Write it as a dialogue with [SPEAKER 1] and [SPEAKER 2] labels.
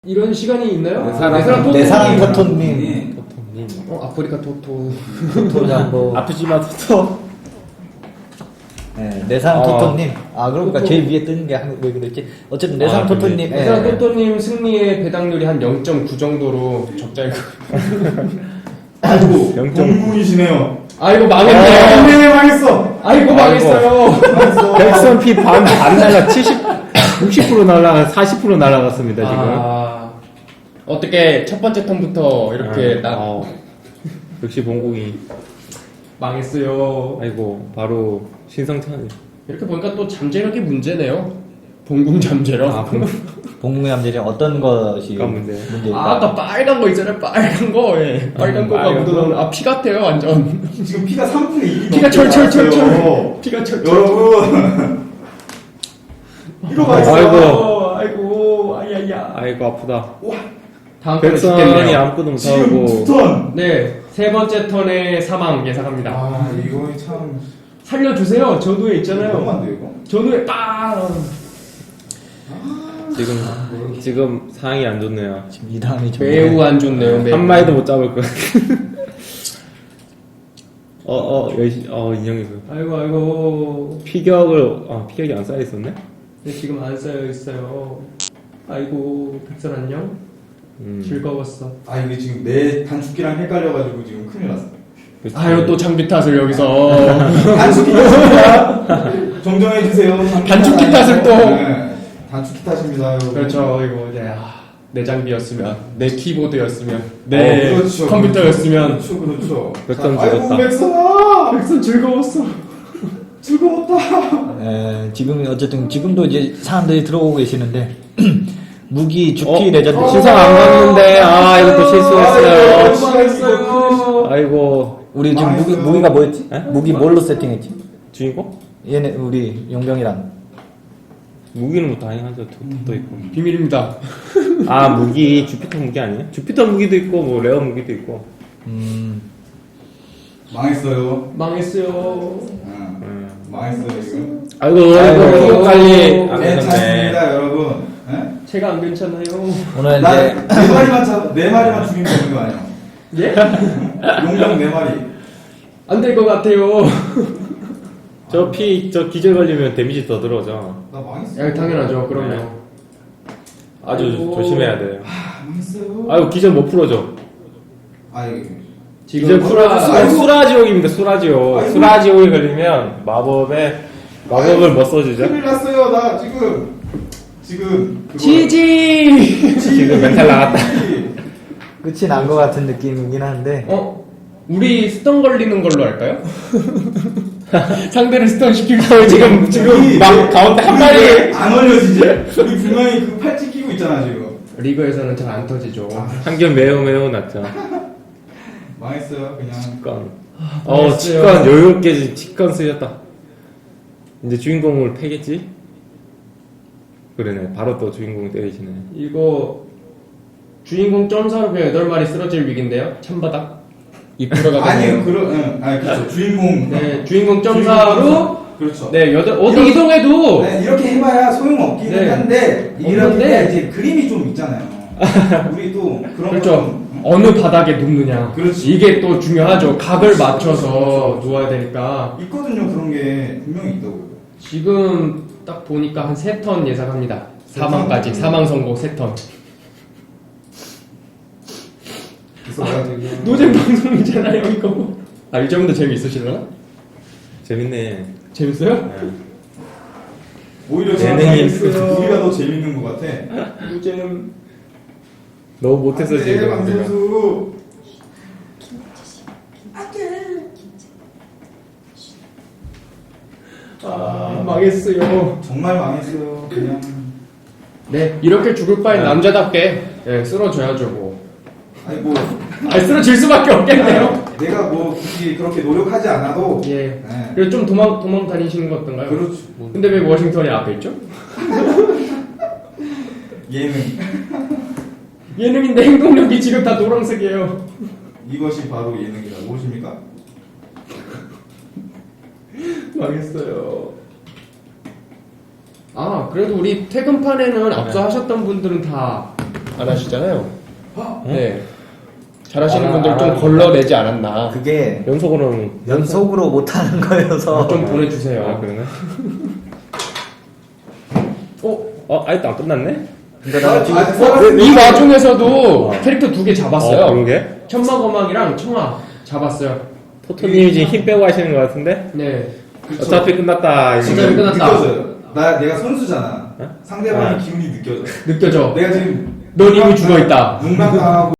[SPEAKER 1] 이런 시간이 있나요?
[SPEAKER 2] 내 사랑 토토님.
[SPEAKER 1] 아프리카 토토.
[SPEAKER 2] 토토잠보.
[SPEAKER 3] 아프지마 토토.
[SPEAKER 2] 네, 내 사랑 토토님. 아, 그러니까
[SPEAKER 1] 토토.
[SPEAKER 2] 제일 위에 뜨는 게 왜 그랬지? 어쨌든 내 사랑 토토님.
[SPEAKER 1] 내 사랑 토토님 승리의 배당률이 한 0.9 정도로 적자일 거예요.
[SPEAKER 4] 아이고, 공군이시네요.
[SPEAKER 1] 아이고 망했네.
[SPEAKER 4] 네, 망했어.
[SPEAKER 1] 아이고 망했어요.
[SPEAKER 3] 백선 피 반 날라 60% 날라 40% 날라갔습니다 지금.
[SPEAKER 1] 아, 어떻게 첫 번째 턴부터 이렇게
[SPEAKER 3] 역시 봉공이
[SPEAKER 1] 망했어요.
[SPEAKER 3] 아이고 바로 신성찬.
[SPEAKER 1] 이렇게 보니까 또 잠재력이 문제네요. 봉궁 잠재력.
[SPEAKER 2] 봉공의 함재력 어떤 것이
[SPEAKER 3] 문제.
[SPEAKER 2] 문제일까?
[SPEAKER 1] 아까 빨간 거 있잖아요. 빨간 거. 예. 빨간 거가
[SPEAKER 3] 빨간
[SPEAKER 1] 묻어나오는. 아, 피 같아요 완전.
[SPEAKER 4] 지금 피가 3분의 1이
[SPEAKER 1] 피가 철철철철. 피가 철철.
[SPEAKER 4] 여러분. 이러고
[SPEAKER 1] 아이고, 아야야.
[SPEAKER 3] 아이고 아프다.
[SPEAKER 1] 다음 턴에
[SPEAKER 3] 백선이
[SPEAKER 1] 죽겠네요.
[SPEAKER 3] 아무것도
[SPEAKER 4] 지금
[SPEAKER 3] 못하고.
[SPEAKER 4] 2턴.
[SPEAKER 1] 네, 세 번째 턴에 사망 예상합니다.
[SPEAKER 4] 아, 이거 참.
[SPEAKER 1] 살려주세요. 전우에 있잖아요.
[SPEAKER 4] 너무한데, 이거?
[SPEAKER 1] 전우에 빵.
[SPEAKER 3] 지금 상황이 안 좋네요.
[SPEAKER 2] 지금 이 다음이 좀
[SPEAKER 1] 매우 안 좋네요. 매우.
[SPEAKER 3] 한 마리도 못 잡을 것 같아. 인형이 그
[SPEAKER 1] 아이고.
[SPEAKER 3] 피격이 안 쌓여 있었네.
[SPEAKER 1] 네, 지금 안 쌓여 있어요. 아이고, 백설 안녕. 즐거웠어.
[SPEAKER 4] 아, 이게 지금 내 단축키랑 헷갈려가지고 지금 큰일 났어.
[SPEAKER 1] 아유, 또 장비 탓을 여기서.
[SPEAKER 4] 단축키 탓입니다. 정정해주세요.
[SPEAKER 1] 단축키 탓을 또.
[SPEAKER 4] 네, 단축키 탓입니다, 여러분.
[SPEAKER 1] 그렇죠. 이거 이제 내 장비였으면, 내 키보드였으면, 내
[SPEAKER 4] 그렇죠,
[SPEAKER 1] 컴퓨터였으면.
[SPEAKER 4] 그렇죠.
[SPEAKER 3] 백선
[SPEAKER 4] 아이고,
[SPEAKER 3] 죽었다.
[SPEAKER 4] 백선아!
[SPEAKER 1] 백선 즐거웠어.
[SPEAKER 4] 즐거웠다.
[SPEAKER 2] 지금 어쨌든 지금도 이제 사람들이 들어오고 계시는데 무기 주피 레전드
[SPEAKER 3] 신상 안 갔는데 이것도 실수했어요.
[SPEAKER 1] 망했어요.
[SPEAKER 3] 아이고
[SPEAKER 2] 우리 지금
[SPEAKER 4] 망했어요.
[SPEAKER 2] 무기가 뭐였지?
[SPEAKER 3] 에?
[SPEAKER 2] 무기 뭘로 세팅했지?
[SPEAKER 3] 주인공?
[SPEAKER 2] 얘네 우리 용병이랑
[SPEAKER 3] 무기는 뭐 다양하죠. 토토도 있고.
[SPEAKER 1] 비밀입니다.
[SPEAKER 3] 무기 주피터 무기 아니에요? 주피터 무기도 있고 뭐 레어 무기도 있고.
[SPEAKER 4] 망했어요.
[SPEAKER 1] 망했어요.
[SPEAKER 4] 망했어요, 지금.
[SPEAKER 3] 아이고
[SPEAKER 2] 아이고,
[SPEAKER 3] 빨리 안 되셨네.
[SPEAKER 4] 괜찮습니다, 여러분. 네?
[SPEAKER 1] 제가 안 괜찮아요.
[SPEAKER 2] 오늘
[SPEAKER 4] 나
[SPEAKER 2] 이제
[SPEAKER 4] 네 마리만 죽이면 되는 거 아니야?
[SPEAKER 1] 예?
[SPEAKER 4] 용병 4마리.
[SPEAKER 1] 안 될 것 같아요.
[SPEAKER 3] 저 기절 걸리면 데미지 더 들어오죠.
[SPEAKER 4] 나 망했어.
[SPEAKER 1] 야, 당연하죠. 그럼요.
[SPEAKER 3] 네. 아주
[SPEAKER 1] 아이고.
[SPEAKER 3] 조심해야 돼요.
[SPEAKER 4] 망했어요.
[SPEAKER 3] 아이고 기절 못 풀어줘.
[SPEAKER 4] 아이,
[SPEAKER 3] 기절 풀어줄
[SPEAKER 4] 아이고.
[SPEAKER 3] 수라지옥입니다. 수라지옥.
[SPEAKER 4] 아이고.
[SPEAKER 3] 수라지옥에 걸리면 마법을 못 써주죠.
[SPEAKER 4] 큰일 났어요, 나 지금. 그거-
[SPEAKER 1] 지지!
[SPEAKER 3] 지금 멘탈 나갔다.
[SPEAKER 2] 끝이 난 것 같은 느낌이긴 한데
[SPEAKER 1] 우리 스턴 걸리는 걸로 할까요? 상대를 스턴 시키고 지금
[SPEAKER 4] 우리
[SPEAKER 1] 막 가운데 한 마리.
[SPEAKER 4] 안 올려지지? 우리 분명히 그 팔찌 끼고 있잖아, 지금.
[SPEAKER 1] 리그에서는 잘 안 터지죠.
[SPEAKER 3] 한결 매우 낮죠.
[SPEAKER 4] 망했어요, 그냥.
[SPEAKER 3] 직관.
[SPEAKER 1] 알았어요.
[SPEAKER 3] 직관 여유롭게 직관 쓰였다. 이제 주인공을 패겠지? 그러네. 바로 또 주인공 때리시네.
[SPEAKER 1] 이거 주인공 점사로 그냥 8마리 쓰러질 위기인데요. 찬바닥. 입 들어가고.
[SPEAKER 4] 아니요, 그렇죠. 주인공.
[SPEAKER 1] 네, 주인공 점사로.
[SPEAKER 4] 그렇죠.
[SPEAKER 1] 네, 어디 이동해도.
[SPEAKER 4] 네, 이렇게 해봐야 소용없기는
[SPEAKER 1] 네.
[SPEAKER 4] 한데, 이렇게
[SPEAKER 1] 없는데.
[SPEAKER 4] 이제 그림이 좀 있잖아요. 우리 또 그런
[SPEAKER 1] 그렇죠.
[SPEAKER 4] 거 좀,
[SPEAKER 1] 어느 바닥에 눕느냐.
[SPEAKER 4] 그렇지.
[SPEAKER 1] 이게 또 중요하죠. 각을 맞춰서 누워야 되니까.
[SPEAKER 4] 있거든요, 그런 게 분명히 있다고요.
[SPEAKER 1] 지금 딱 보니까 한 3턴 예상합니다. 사망까지. 사망 선고 3턴.
[SPEAKER 4] 그래서 내가 되게
[SPEAKER 1] 노잼 방송이잖아요, 이거. 이 정도 재미있으실려나?
[SPEAKER 3] 재밌네.
[SPEAKER 1] 재밌어요?
[SPEAKER 3] 네.
[SPEAKER 4] 오히려
[SPEAKER 3] 예능이
[SPEAKER 4] 우리가 더 재밌는 것 같아.
[SPEAKER 1] 노잼.
[SPEAKER 3] 너무 못해서 지금.
[SPEAKER 4] 방선수.
[SPEAKER 1] 망했어요.
[SPEAKER 4] 정말 망했어요. 그냥.
[SPEAKER 1] 네, 이렇게 죽을 바엔 남자답게 쓰러져야죠, 뭐.
[SPEAKER 4] 아니 뭐
[SPEAKER 1] 쓰러질 수밖에 없겠네요.
[SPEAKER 4] 내가 뭐 굳이 그렇게 노력하지 않아도.
[SPEAKER 1] 예.
[SPEAKER 4] 네.
[SPEAKER 1] 그래서 좀 도망 다니시는 거 어떤가요?
[SPEAKER 4] 그렇죠.
[SPEAKER 1] 근데 왜 워싱턴이 앞에 있죠?
[SPEAKER 4] 예능.
[SPEAKER 1] 예능인데 행동력이 지금 다 노란색이에요.
[SPEAKER 4] 이것이 바로 예능이다. 무엇입니까?
[SPEAKER 1] 망했어요. 그래도 우리 퇴근판에는 앞서 하셨던 분들은 다 안 하시잖아요.
[SPEAKER 4] 어?
[SPEAKER 1] 네. 잘하시는 분들 좀 걸러내지 않았나.
[SPEAKER 2] 그게
[SPEAKER 3] 연속으로는
[SPEAKER 2] 연속으로 못하는 거여서
[SPEAKER 1] 좀 보내주세요.
[SPEAKER 3] 아 그러네.
[SPEAKER 1] 어?
[SPEAKER 3] 아직도 안 끝났네?
[SPEAKER 2] 그러니까 내가 지금
[SPEAKER 4] 아직 살았는데.
[SPEAKER 1] 이 와중에서도 캐릭터 2개 잡았어요.
[SPEAKER 3] 그러게.
[SPEAKER 1] 천마거망이랑 청아 잡았어요.
[SPEAKER 3] 토토님이 지금 힘 빼고 하시는 것 같은데?
[SPEAKER 1] 네.
[SPEAKER 4] 그쵸.
[SPEAKER 3] 어차피 끝났다. 이제.
[SPEAKER 1] 진짜 끝났다.
[SPEAKER 4] 느껴져요. 내가 선수잖아. 상대방의 기운이 느껴져.
[SPEAKER 1] 느껴져.
[SPEAKER 4] 내가 지금
[SPEAKER 1] 넌 이미 죽어있다.
[SPEAKER 4] 눈만 당하고